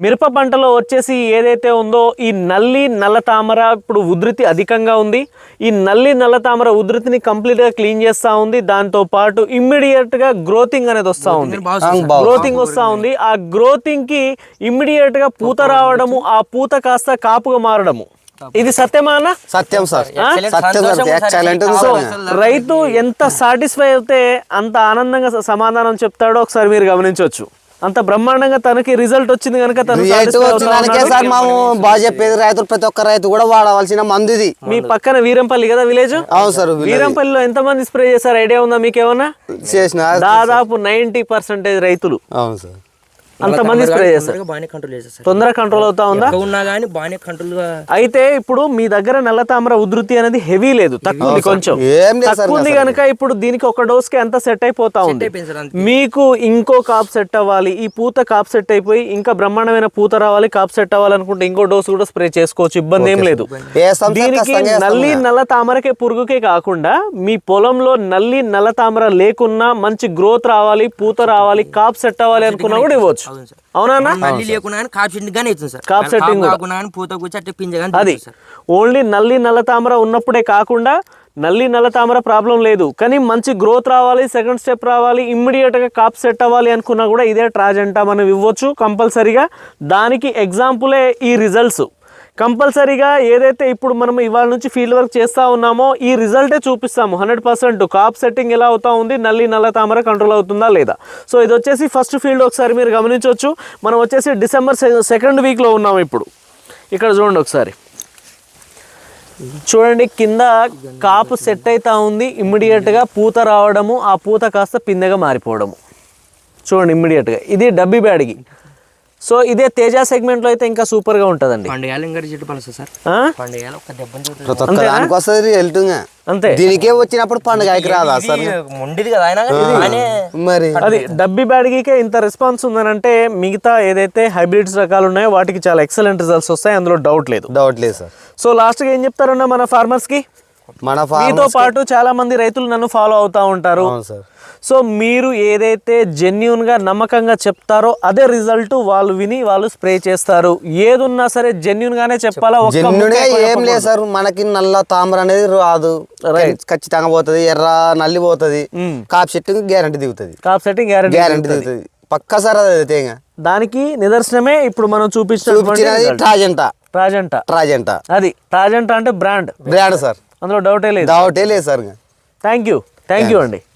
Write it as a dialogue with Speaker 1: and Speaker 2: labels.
Speaker 1: మిరప పంటలో వచ్చేసి ఏదైతే ఉందో ఈ నల్లి నల్ల తామర ఇప్పుడు ఉధృతి అధికంగా ఉంది. ఈ నల్లి నల్ల తామర ఉధృతిని కంప్లీట్గా క్లీన్ చేస్తూ ఉంది. దాంతో పాటు ఇమ్మీడియట్గా గ్రోతింగ్ అనేది వస్తూ ఉంది. గ్రోతింగ్ వస్తూ ఉంది. ఆ గ్రోతింగ్కి ఇమ్మీడియట్గా పూత రావడము, ఆ పూత కాస్త కాపుగా మారడము. ఇది సత్యమా అన్న?
Speaker 2: సత్యం సార్.
Speaker 1: రైతు ఎంత సాటిస్ఫై అయితే అంత ఆనందంగా సమాధానం చెప్తాడో ఒకసారి మీరు గమనించవచ్చు. అంత బ్రహ్మాండంగా తనకి రిజల్ట్ వచ్చింది కనుక
Speaker 2: సార్ మేము బాగా చెప్పేది రైతులు ప్రతి ఒక్క రైతు కూడా వాడవలసిన మందు ఇది.
Speaker 1: మీ పక్కన వీరంపల్లి కదా విలేజ్?
Speaker 2: అవును సార్.
Speaker 1: వీరంపల్లిలో ఎంత మంది స్ప్రే చేశారు ఐడియా ఉందా మీకు ఏమన్నా?
Speaker 2: చేసిన
Speaker 1: దాదాపు 90% రైతులు.
Speaker 2: అవును సార్.
Speaker 1: అంతమంది స్ప్రే చేస్తారు. తొందరగా కంట్రోల్ అవుతా ఉందా? అయితే ఇప్పుడు మీ దగ్గర నల్ల తామర ఉధృతి అనేది హెవీ లేదు, తక్కువ కొంచెం తక్కువ ఉంది కనుక ఇప్పుడు దీనికి ఒక డోస్ కి అంత సెట్ అయిపోతా ఉంది. మీకు ఇంకో కాప్ సెట్ అవ్వాలి, ఈ పూత కాప్ సెట్ అయిపోయి ఇంకా బ్రహ్మాండమైన పూత రావాలి, కాప్ సెట్ అవ్వాలనుకుంటే ఇంకో డోస్ కూడా స్ప్రే చేసుకోవచ్చు, ఇబ్బంది ఏం లేదు. దీనికి నల్లి నల్ల తామరకే పురుగుకే కాకుండా మీ పొలంలో నల్లి నల్ల తామర లేకున్నా మంచి గ్రోత్ రావాలి, పూత రావాలి, కాప్ సెట్ అవ్వాలి అనుకున్నా కూడా ఇవ్వచ్చు. అవునా? అది ఓన్లీ నల్లి నల్ల తామర ఉన్నప్పుడే కాకుండా నల్లి నల్ల తామర ప్రాబ్లం లేదు కానీ మంచి గ్రోత్ రావాలి, సెకండ్ స్టెప్ రావాలి, ఇమ్మీడియట్గా కాప్ సెట్ అవ్వాలి అనుకున్నా కూడా ఇదే ట్రాజెంటా మనం ఇవ్వచ్చు కంపల్సరీగా. దానికి ఎగ్జాంపులే ఈ రిజల్ట్స్. కంపల్సరీగా ఏదైతే ఇప్పుడు మనం ఇవాళ నుంచి ఫీల్డ్ వర్క్ చేస్తూ ఉన్నామో ఈ రిజల్టే చూపిస్తాము 100%. కాప్ సెట్టింగ్ ఎలా అవుతా ఉంది, నల్లి నల్ల తామర కంట్రోల్ అవుతుందా లేదా. సో ఇది వచ్చేసి ఫస్ట్ ఫీల్డ్ ఒకసారి మీరు గమనించవచ్చు. మనం వచ్చేసి డిసెంబర్ 2nd వీక్లో ఉన్నాము ఇప్పుడు. ఇక్కడ చూడండి ఒకసారి, చూడండి కింద కాపు సెట్ అవుతా ఉంది, ఇమ్మీడియట్గా పూత రావడము, ఆ పూత కాస్త పిందెగా మారిపోవడము చూడండి ఇమ్మీడియట్గా. ఇది డబ్బీ బ్యాడ్కి. సో ఇదే తేజ సెగ్మెంట్ లో అయితే ఇంకా సూపర్ గా ఉంటదండి. అంతే
Speaker 2: దీనికే వచ్చినప్పుడు పండుగ రాదా సార్?
Speaker 1: మరి అది డబ్బీ బ్యాడ్గికే ఇంత రెస్పాన్స్ ఉందనంటే మిగతా ఏదైతే హైబ్రిడ్స్ రకాలు ఉన్నాయో వాటికి చాలా ఎక్సలెంట్ రిజల్ట్స్ వస్తాయి, అందులో డౌట్ లేదు
Speaker 2: సార్.
Speaker 1: సో లాస్ట్ గా ఏం చెప్తారన్నా మన ఫార్మర్స్ కి? మీతో పాటు చాలా మంది రైతులు నన్ను ఫాలో అవుతా ఉంటారు. సో మీరు ఏదైతే జెన్యూన్ గా నమ్మకంగా చెప్తారో అదే రిజల్ట్ వాళ్ళు విని వాళ్ళు స్ప్రే చేస్తారు. ఏదున్నా సరే జెన్యూన్ గానే చెప్పాలా?
Speaker 2: ఏం లేదు సార్, మనకి నల్ల తామర అనేది రాదు, ఖచ్చితంగా పోతుంది, ఎర్ర నల్లి పోతుంది, కాప్ సెట్టింగ్ గ్యారంటీ దిగుతుంది,
Speaker 1: కాప్ సెట్టింగ్ గ్యారంటీ దిగుతుంది
Speaker 2: పక్కా సార్. అదైతే
Speaker 1: దానికి నిదర్శనమే ఇప్పుడు మనం చూపించిన ట్రాజెంటా. అది ట్రాజెంటా అంటే బ్రాండ్
Speaker 2: సార్,
Speaker 1: అందులో డౌటే లేదు
Speaker 2: సార్.
Speaker 1: థ్యాంక్ యూ అండి.